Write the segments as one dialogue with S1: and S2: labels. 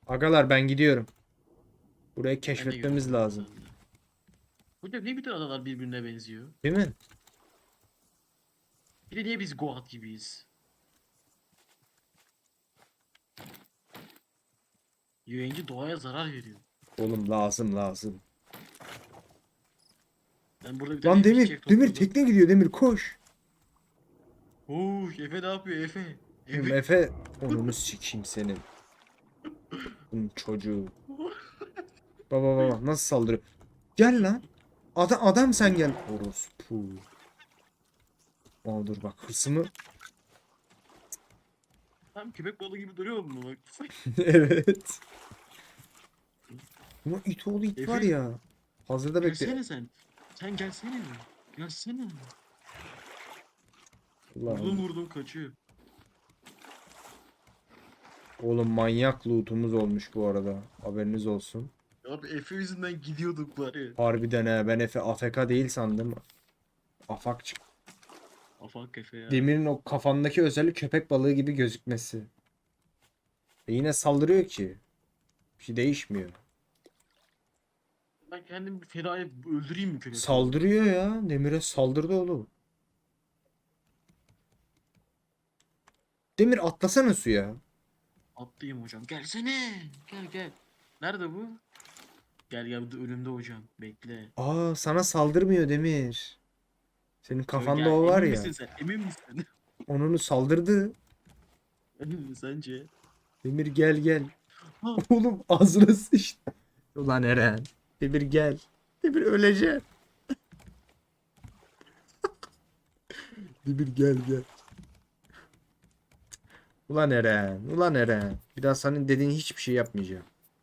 S1: Agalar ben gidiyorum. Burayı
S2: Ben de
S1: keşfetmemiz
S2: görüyorum
S1: lazım.
S2: sen de. Hocam niye bütün adalar birbirine benziyor?
S1: Değil mi?
S2: Bir de niye biz Goat gibiyiz? Yayıncı doğaya zarar veriyor.
S1: Oğlum lazım lazım.
S2: Ben burada bir
S1: Lan
S2: tane
S1: Demir,
S2: fişek
S1: Demir
S2: topladım.
S1: tekne gidiyor Demir koş.
S2: Efe ne yapıyor Efe?
S1: Oğlum
S2: Efe.
S1: Efe onunu sikeyim senin. Bunun çocuğu. Baba baba nasıl saldırıyor? Gel lan. Adam sen gel. Orospu. Aa dur bak hırsımı.
S2: Tam köpek balığı gibi duruyor mu bak?
S1: Evet. Ama it oğlu it var
S2: Efe
S1: ya. Hazırda bekle.
S2: gelsene sen. Sen gelsene. Gelsene. Vurdum
S1: Ulan
S2: vurdum kaçıyor.
S1: oğlum manyak lootumuz olmuş bu arada. Haberiniz olsun.
S2: Abi Efe yüzünden gidiyorduk var ya.
S1: Harbiden he ben Efe AFK değil sandım. Afak çık.
S2: Afak Efe ya.
S1: Demir'in o kafandaki özellik köpek balığı gibi gözükmesi. Yine saldırıyor ki. Bir şey değişmiyor.
S2: Ben kendimi bir feda edip öldüreyim mi köpek balığını?
S1: Saldırıyor ya. Demir'e saldırdı oğlum. Demir atlasana suya.
S2: Atlayayım hocam. Gelsene. Gel gel. Nerede bu? Gel gel, bu da önümde hocam. Bekle.
S1: Aa sana saldırmıyor Demir. Senin kafanda
S2: Gel.
S1: o var
S2: Emin
S1: ya.
S2: misin sen? Emin misin?
S1: Onunu saldırdı.
S2: Emin misin sence?
S1: Demir gel gel.
S2: Ha,
S1: Oğlum ağzına sıçtı. Ulan Eren. Demir gel. Demir ölecek. Demir gel gel. Ulan Eren. Ulan Eren. Bir daha senin dediğin hiçbir şey yapmayacağım.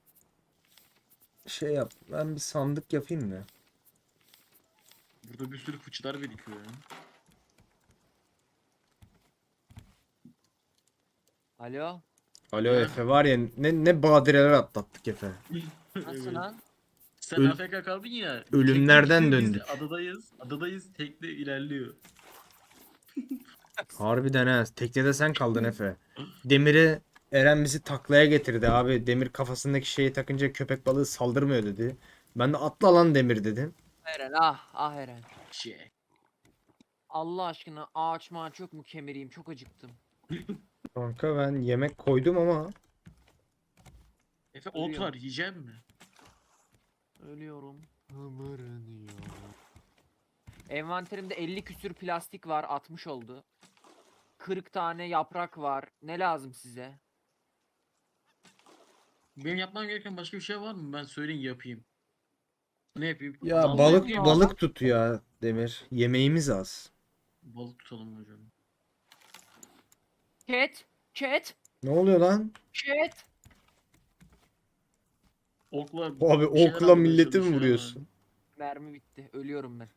S1: Şey yap. Ben bir sandık yapayım mı?
S2: burada bir sürü fıçılar birikiyor ya.
S3: Alo.
S1: Alo
S2: Ha?
S1: Efe var ya ne badireler atlattık Efe.
S3: Nasılsın
S2: Evet.
S3: lan?
S2: Sen
S1: Öl-
S2: AFK kaldın ya.
S1: ölümlerden
S2: Tekne gitti,
S1: döndük.
S2: biz adadayız. Adadayız. Tekne ilerliyor.
S1: Harbiden ha. Teknede sen kaldın Efe. Demir'i Eren bizi taklaya getirdi abi. Demir kafasındaki şeyi takınca köpek balığı saldırmıyor dedi. Ben de atla lan Demir dedim.
S3: Eren ah Eren.
S2: Şey.
S3: Allah aşkına ağaç mağaç yok mu kemireyim çok acıktım.
S1: Kanka ben yemek koydum ama
S2: Efe ot
S3: Ölüyorum.
S2: var, yiyecek mi?
S3: Ölüyorum. Envanterimde 50 küsür plastik var 60 oldu. 40 tane yaprak var. Ne lazım size?
S2: Benim yapmam gereken başka bir şey var mı? Ben söyleyin yapayım. Ne yapayım?
S1: ya
S2: Dalma
S3: balık
S2: yapayım mı?
S1: balık tut ya Demir. Yemeğimiz az.
S2: Balık tutalım hocam.
S3: Cat. Cat.
S1: Ne oluyor lan?
S3: Cat.
S2: Okla
S1: Abi
S2: bir şeyler
S1: okla
S2: almaya
S1: milleti mi
S2: çalışıyor ama.
S1: vuruyorsun?
S3: Mermi bitti. Ölüyorum ben.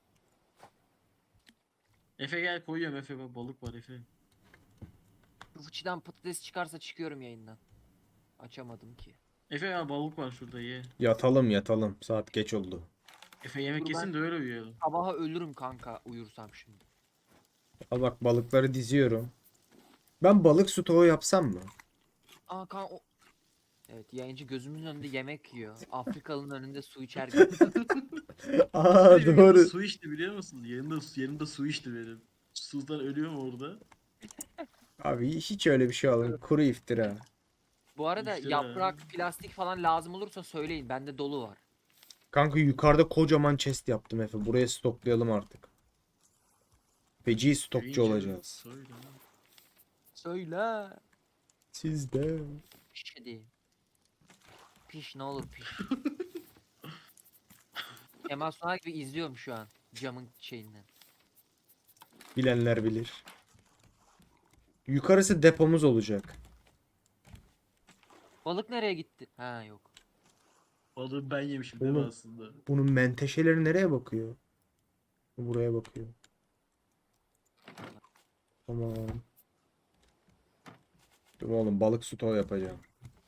S2: Efe gel, koyuyorum Efe, bak balık var Efe.
S3: Bu fıçıdan patates çıkarsa çıkıyorum yayından. Açamadım ki.
S2: Efe ya, balık var şurada, ye.
S1: Yatalım yatalım. Saat geç oldu.
S2: Efe yemek
S3: Dur
S2: yesin
S3: ben
S2: de öyle uyuyalım.
S3: sabaha ölürüm kanka uyursam şimdi.
S1: Al bak balıkları diziyorum. Ben balık stoğu yapsam mı?
S3: Aa kan o... Evet yayıncı gözümün önünde yemek yiyor. Afrikalı'nın önünde su içer gibi.
S1: Aa
S2: Benim yanında
S1: doğru.
S2: su içti, biliyor musun? Yanında su içti benim. Susuzdan ölüyorum orada.
S1: Abi hiç öyle bir şey olmadı. Kuru iftira.
S3: Bu arada
S2: İftira.
S3: yaprak, plastik falan lazım olursa söyleyin. Bende dolu var.
S1: Kanka yukarıda kocaman chest yaptım Efe. Buraya stoklayalım artık. Feci stokçu
S2: Yayıncı
S1: olacağız.
S2: söyle.
S3: Söyle.
S1: Siz de.
S3: Piş hadi. Piş ne olur piş. Kemal Sunal gibi izliyorum şu an. Camın şeyinden.
S1: Bilenler bilir. Yukarısı depomuz olacak.
S3: Balık nereye gitti? Ha yok.
S2: Balığı ben yemişim değil mi
S1: Oğlum.
S2: aslında?
S1: Bunun menteşeleri nereye bakıyor? Buraya bakıyor. Tamam. Dur oğlum balık stoğu yapacağım.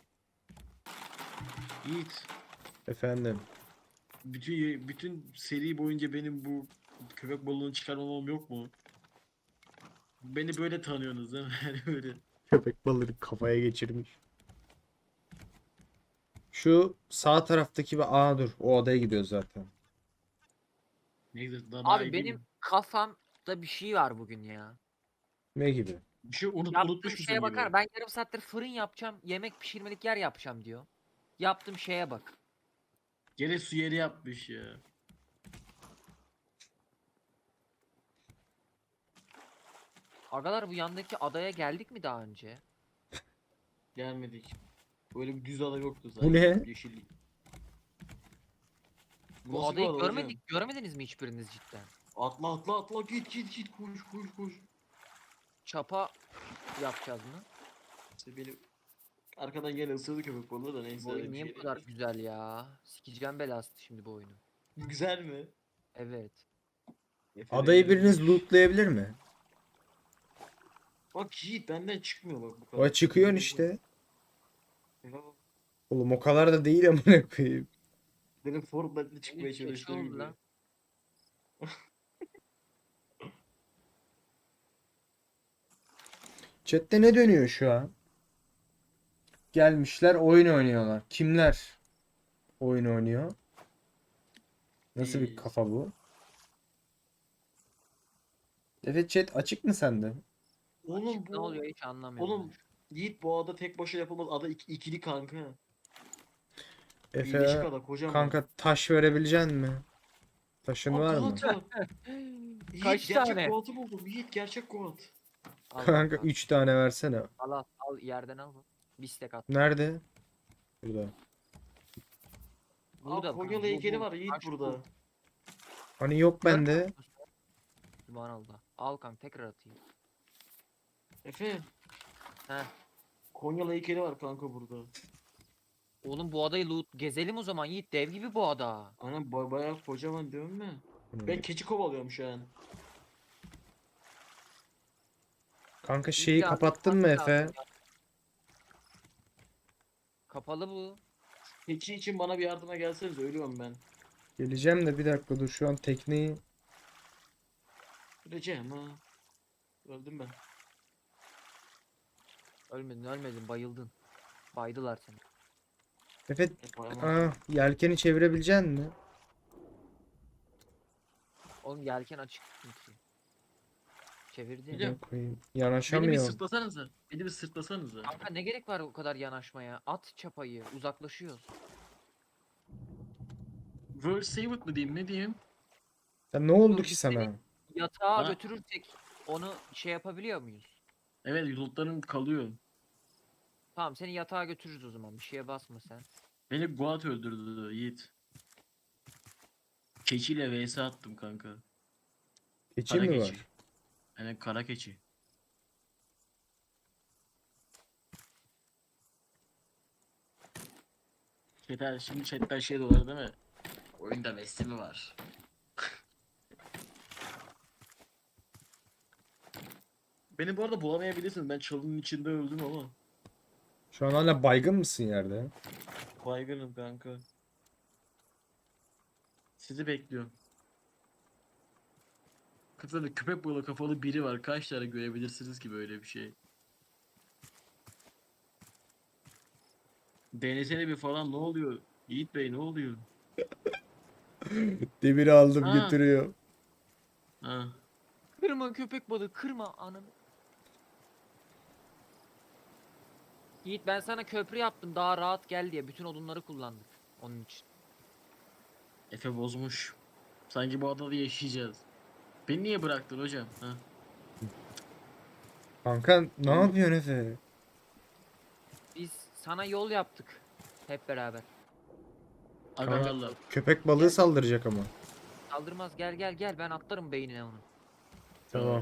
S2: Yiğit.
S1: Efendim.
S2: Bütün seri boyunca benim bu köpek balığını çıkarmamam yok mu? Beni böyle tanıyorsunuz değil mi? Yani böyle.
S1: Köpek balığı kafaya geçirmiş. Şu sağ taraftaki bir dur o odaya gidiyoruz zaten.
S2: Neyse daha
S3: Abi
S2: iyi değil
S3: benim
S2: mi?
S3: kafamda bir şey var bugün ya.
S1: Ne gibi?
S2: Bir şey
S3: Yaptığım
S2: unutmuş musun
S3: şeye bakar.
S2: gibi?
S3: Ben yarım saattir fırın yapacağım. Yemek pişirmelik yer yapacağım diyor. Yaptığım şeye bak.
S2: Gene su yeri yapmış ya.
S3: Agalar bu yandaki adaya geldik mi daha önce?
S2: Gelmedik. Böyle bir düz ada yoktu
S1: Bu
S2: zaten.
S1: ne?
S2: Yeşillik.
S3: Bu
S2: Nasıl bir
S3: adayı
S2: ada hocam?
S3: görmedik. Görmediniz mi hiçbiriniz cidden?
S2: Atla atla atla git koş koş koş.
S3: Çapa yapacağız mı?
S2: İşte benim arkadan gene ısırdı köpek balığı da neyse.
S3: Bu oyun
S2: bir
S3: niye
S2: şey
S3: bu kadar
S2: değil.
S3: güzel ya? Sikeceğim belası şimdi bu oyunu.
S2: Güzel mi?
S3: Evet.
S1: Adayı biriniz lootlayabilir mi?
S2: Bak Yiğit benden çıkmıyor bak bu kadar.
S1: O çıkıyorsun işte.
S2: Ya,
S1: Oğlum o kadar da değil amına koyayım.
S2: benim Fortnite'le çıkmaya
S3: Benim keçi
S2: çalıştığım
S3: oldu
S2: gibi.
S3: lan.
S1: Chat'te ne dönüyor şu an? Gelmişler oyun oynuyorlar. Kimler oyun oynuyor? Nasıl bir
S2: Biz.
S1: kafa bu? Evet chat açık mı sende?
S2: Oğlum
S3: Açık ne
S2: bu.
S3: oluyor hiç anlamıyorum.
S2: Oğlum Yiğit bu ada tek başına yapılmaz. Ada ikili kanka. Birleşik
S1: Efe
S2: ada kocaman.
S1: kanka taş verebilecek mi? Taşın
S2: Aa,
S1: var mı?
S2: Goat var.
S3: ben.
S2: Yiğit
S3: Kaç
S2: gerçek
S3: tane?
S2: Goat'ı buldum. Yiğit gerçek Goat.
S3: Al
S1: Kanka
S3: kanka.
S1: 3 tane versene.
S3: Al yerden al. Bir stek at.
S1: Nerede? Burada.
S3: Burada
S2: Aa Konyalı
S3: bu,
S2: heykeli
S3: bu.
S2: var Yiğit
S3: Taş bu.
S2: burada.
S1: Hani yok
S3: Görmüyor
S1: bende.
S3: musun sen? Subhanallah. Al kanka tekrar atayım.
S2: Efe.
S3: Heh.
S2: Konyalı heykeli var kanka burada.
S3: Oğlum bu adayı loot gezelim o zaman Yiğit dev gibi bu ada.
S2: Anam bayağı kocaman değil mi? Ben keçi kovalıyorum şu an.
S1: Kanka
S3: Yiğit
S1: şeyi
S3: yardım
S1: kapattın mı
S3: etmen
S1: Efe?
S3: lazım ya. Kapalı bu.
S2: Keçi için bana bir yardıma gelseniz ölüyorum ben.
S1: Geleceğim de bir dakika dur şu an tekneyi.
S2: Öleceğim ha. Öldüm ben.
S3: Ölmedin bayıldın. Baydılar seni.
S1: Efe
S2: Bayamam.
S1: yelkeni çevirebilecek mi?
S3: Oğlum yelken açık çünkü. Çevirdi.
S2: Biliyorum.
S1: Koyayım.
S2: Beni bir
S1: Yanaşamıyorum.
S2: sırtlasanıza. Beni bir sırtlasanıza.
S3: Kanka ne gerek var o kadar yanaşmaya? At çapayı. Uzaklaşıyoruz.
S2: World Save It mi diyeyim ne diyeyim?
S1: Ya ne oldu
S3: Dur,
S1: ki
S3: biz
S1: sana?
S3: Yatağa
S2: Ha?
S3: götürürsek onu şey yapabiliyor muyuz?
S2: Evet lootlarım kalıyor.
S3: Tamam seni yatağa götürürüz o zaman. Bir şeye basma sen.
S2: Beni Goat öldürdü Yiğit. Keçiyle vs attım kanka.
S1: Keçi
S2: Kara
S1: mi
S2: keçi.
S1: var?
S2: Yani kara keçi. Şimdi chatten şey dolar değil mi? Oyunda Messi mi var? Beni bu arada bulamayabilirsiniz. Ben çalının içinde öldüm ama.
S1: Şu an hala baygın mısın yerde?
S2: Baygınım kanka. Sizi bekliyorum. Kafada köpek balığı kafalı biri var. Kaç tane görebilirsiniz ki böyle bir şey? Denesene bir falan ne oluyor? Yiğit Bey ne oluyor?
S1: Demiri aldım
S2: Ha.
S1: götürüyor.
S2: Ha.
S3: Kırma köpek balığı kırma ananı. Yiğit ben sana köprü yaptım daha rahat gel diye bütün odunları kullandık onun için.
S2: Efe bozmuş. Sanki bu adada yaşayacağız. Beni niye bıraktın hocam? Ha.
S1: Kanka ne
S2: Oğlum.
S1: yapıyorsun Efe?
S3: Biz sana yol yaptık hep beraber.
S2: Agalarla.
S1: Köpek balığı saldıracak ama.
S3: Saldırmaz gel ben atlarım beynine onu.
S1: Tamam.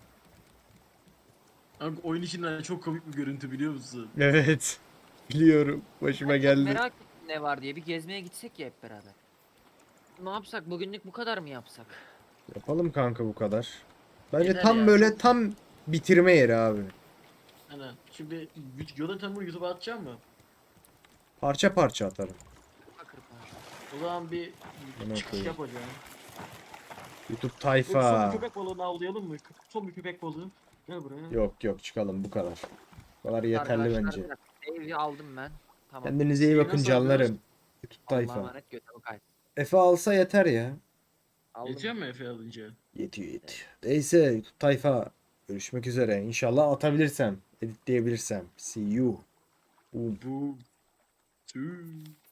S2: Kanka oyun içinden çok komik bir görüntü biliyor musun?
S1: Evet. Biliyorum. Başıma geldi.
S3: Merak ettim ne var diye bir gezmeye gitsek ya hep beraber. Ne yapsak bugünlük bu kadar mı yapsak?
S1: Yapalım kanka bu kadar. Bence
S2: Yeter
S1: tam
S2: ya,
S1: böyle
S2: çok-
S1: tam bitirme yeri abi.
S2: Hani şimdi Jonathan bunu YouTube'a atacağım mı?
S1: Parça parça atarım.
S3: Bakır parça.
S2: O zaman bir
S1: Bana
S2: çıkış
S1: koyayım.
S2: yapacağım.
S1: YouTube
S2: Son
S1: tayfa.
S2: bir köpek balığını avlayalım mı? Son bir köpek balığı. Gel buraya.
S1: Yok yok çıkalım bu kadar. Bu kadar yeterli
S3: Arkadaşlar,
S1: bence.
S3: bir dakika, Evi aldım ben. Tamam.
S1: Kendinize iyi
S2: Şeyi
S1: bakın
S2: nasıl alıyoruz?
S1: canlarım. YouTube
S3: Allah'a
S1: tayfa.
S3: emanet götümü kay.
S1: Efe alsa yeter ya.
S3: Aldım.
S2: Yetiyor mu Efe alınca?
S1: Yetiyor. Neyse YouTube tayfa. Görüşmek üzere. İnşallah atabilirsem. Editleyebilirsem. See you. Boom.
S2: Bu. Tüh.